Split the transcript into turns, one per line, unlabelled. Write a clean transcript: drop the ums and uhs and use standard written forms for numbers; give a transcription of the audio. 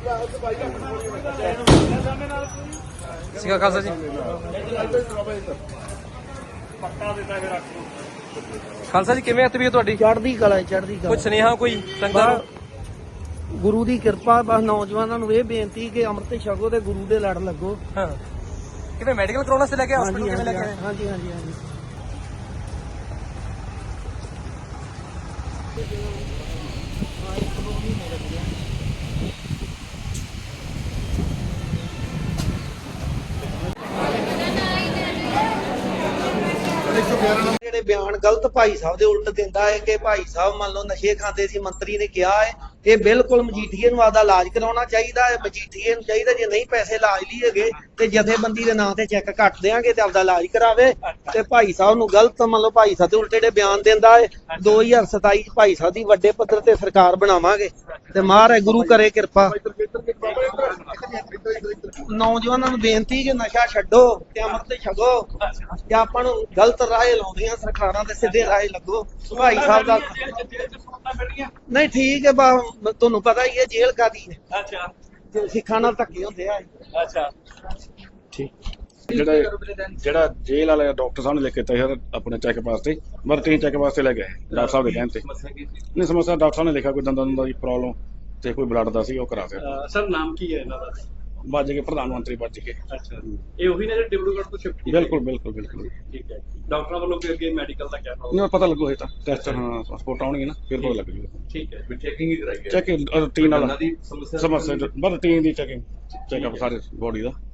ਸਿਕਾ ਖਾਲਸਾ ਜੀ। ਖਾਲਸਾ ਜੀ ਕਿਵੇਂ ਆ ਤਬੀਅਤ ਤੁਹਾਡੀ?
ਚੜ੍ਹਦੀ ਕਲਾ ਚੜ੍ਹਦੀ
ਕੋਈ
ਕਲਾ।
ਸੁਨੇਹਾ ਕੋਈ ਸੰਗਤਾਂ ਨੂੰ?
ਗੁਰੂ ਦੀ ਕਿਰਪਾ, ਬਸ ਨੌਜਵਾਨਾਂ ਨੂੰ ਇਹ ਬੇਨਤੀ ਕਿ ਅੰਮ੍ਰਿਤ ਛਕੋ ਤੇ ਗੁਰੂ ਦੇ ਲੜ ਲੱਗੋ।
ਹਾਂ, ਕਿਵੇਂ ਮੈਡੀਕਲ ਕਰਾਉਣਾ ਸੀ ਲੈ ਕੇ ਹਸਪੀਟਲ ਕਿਵੇਂ ਲੈ ਕੇ ਆਏ?
ਹਾਂਜੀ ਹਾਂਜੀ ਹਾਂਜੀ। ਜਿਹੜੇ ਬਿਆਨ ਗਲਤ ਭਾਈ ਸਾਹਿਬ ਦੇ ਉਲਟ ਦਿੰਦਾ ਹੈ ਕਿ ਭਾਈ ਸਾਹਿਬ ਮੰਨ ਲਓ ਨਸ਼ੇ ਖਾਂਦੇ ਸੀ, ਮੰਤਰੀ ਨੇ ਕਿਹਾ ਹੈ, ਇਹ ਬਿਲਕੁਲ ਮਜੀਠੀਏ ਨੂੰ ਆਦਾ ਇਲਾਜ ਕਰਾਉਣਾ ਚਾਹੀਦਾ ਹੈ। ਮਜੀਠੀਏ ਨੂੰ ਚਾਹੀਦਾ ਜੇ ਨਹੀਂ ਪੈਸੇ ਇਲਾਜ ਲਈ ਹੈਗੇ ਤੇ ਜਥੇਬੰਦੀ ਦੇ ਨਾਂ ਤੇ ਚੈੱਕ ਕੱਟ ਦੇਾਂਗੇ ਤੇ ਆਪਦਾ ਇਲਾਜ ਕਰਾਵੇ। ਤੇ ਭਾਈ ਸਾਹਿਬ ਨੂੰ ਗਲਤ ਮੰਨ ਲਓ ਭਾਈ ਸਾਹਿਬ ਦੇ ਉਲਟ ਜਿਹੜੇ ਬਿਆਨ ਦਿੰਦਾ ਹੈ। 2027 ਚ ਭਾਈ ਸਾਹਿਬ ਦੀ ਵੱਡੇ ਪੱਧਰ ਤੇ ਸਰਕਾਰ ਬਣਾਵਾਂਗੇ ਤੇ ਮਹਾਰਾਜ ਗੁਰੂ ਕਰੇ ਕਿਰਪਾ। ਨੌਜਵਾਨਾਂ ਨੂੰ ਬੇਨਤੀ ਕਿ ਨਸ਼ਾ ਛੱਡੋ ਤੇ ਅੰਮ੍ਰਿਤ ਛਕੋ ਤੇ ਆਪਾਂ ਨੂੰ ਗਲਤ ਰਾਹ ਲਾਉਂਦੀਆਂ ਸਰਕਾਰਾਂ ਤੇ ਸਿੱਧੇ ਰਾਹ ਲੱਗੋ। ਭਾਈ ਸਾਹਿਬ ਦਾ ਨਹੀਂ ਠੀਕ ਹੈ, ਤੁਹਾਨੂੰ ਪਤਾ ਹੀ ਹੈ ਜੇਲ੍ਹ ਕਾਦੀ ਹੈ। ਅੱਛਾ, ਸਿੱਖਾਂ ਨਾਲ ਧੱਕੇ ਹੁੰਦੇ ਆ। ਅੱਛਾ
ਠੀਕ। ਜਿਹੜਾ ਜੇਲ੍ਹ ਵਾਲੇ ਡਾਕਟਰ ਸਾਹਿਬ ਨੇ ਲਿਖ ਕੇ ਦਿੱਤਾ ਸੀ ਆਪਣੇ ਚੈੱਕਅਪ ਵਾਸਤੇ, ਰੂਟੀਨ ਚੈੱਕਅਪ ਵਾਸਤੇ ਲੈ ਗਏ ਡਾਕਟਰ ਸਾਹਿਬ ਦੇ ਕਹਿਣ ਤੇ। ਨਹੀਂ ਸਮੱਸਿਆ ਡਾਕਟਰ ਸਾਹਿਬ ਨੇ ਲਿਖਿਆ ਕੋਈ ਦੰਦਾਂ ਦੀ ਪ੍ਰੋਬਲਮ ਤੇ ਕੋਈ ਬਲੱਡ ਦਾ ਸੀ, ਉਹ ਕਰਾ ਦਿੱਤਾ।
ਸਰ ਨਾਮ ਕੀ ਹੈ ਇਹਨਾਂ ਦਾ?
ਵੱਜ ਕੇ ਪ੍ਰਧਾਨ ਮੰਤਰੀ ਵੱਜ ਕੇ।
ਅੱਛਾ, ਇਹ ਉਹੀ ਨੇ ਜਿਹੜੇ ਡਿਬਰੂਗੜ੍ਹ ਤੋਂ ਸ਼ਿਫਟ ਕੀਤੇ?
ਬਿਲਕੁਲ ਬਿਲਕੁਲ ਬਿਲਕੁਲ।
ਠੀਕ ਹੈ। ਡਾਕਟਰਾਂ ਵੱਲੋਂ ਫਿਰ ਅੱਗੇ ਮੈਡੀਕਲ ਦਾ ਕਿਆ
ਨਹੀਂ ਪਤਾ ਲੱਗੂ ਇਹ ਤਾਂ ਟੈਸਟ, ਹਾਂ ਪਾਸਪੋਰਟ ਆਉਣਗੇ ਨਾ ਫਿਰ ਪਤਾ ਲੱਗ ਜੂਗਾ।
ਠੀਕ ਹੈ, ਫਿਰ ਚੈਕਿੰਗ ਹੀ ਕਰਾਈ ਹੈ।
ਚੈਕਿੰਗ ਰੂਟੀਨ ਵਾਲਾ
ਦੀ ਸਮੱਸਿਆ
ਬਸ ਰੂਟੀਨ ਦੀ ਚੈਕਿੰਗ ਚੈੱਕਅਪ ਸਾਰੇ ਬੋਡੀ ਦਾ।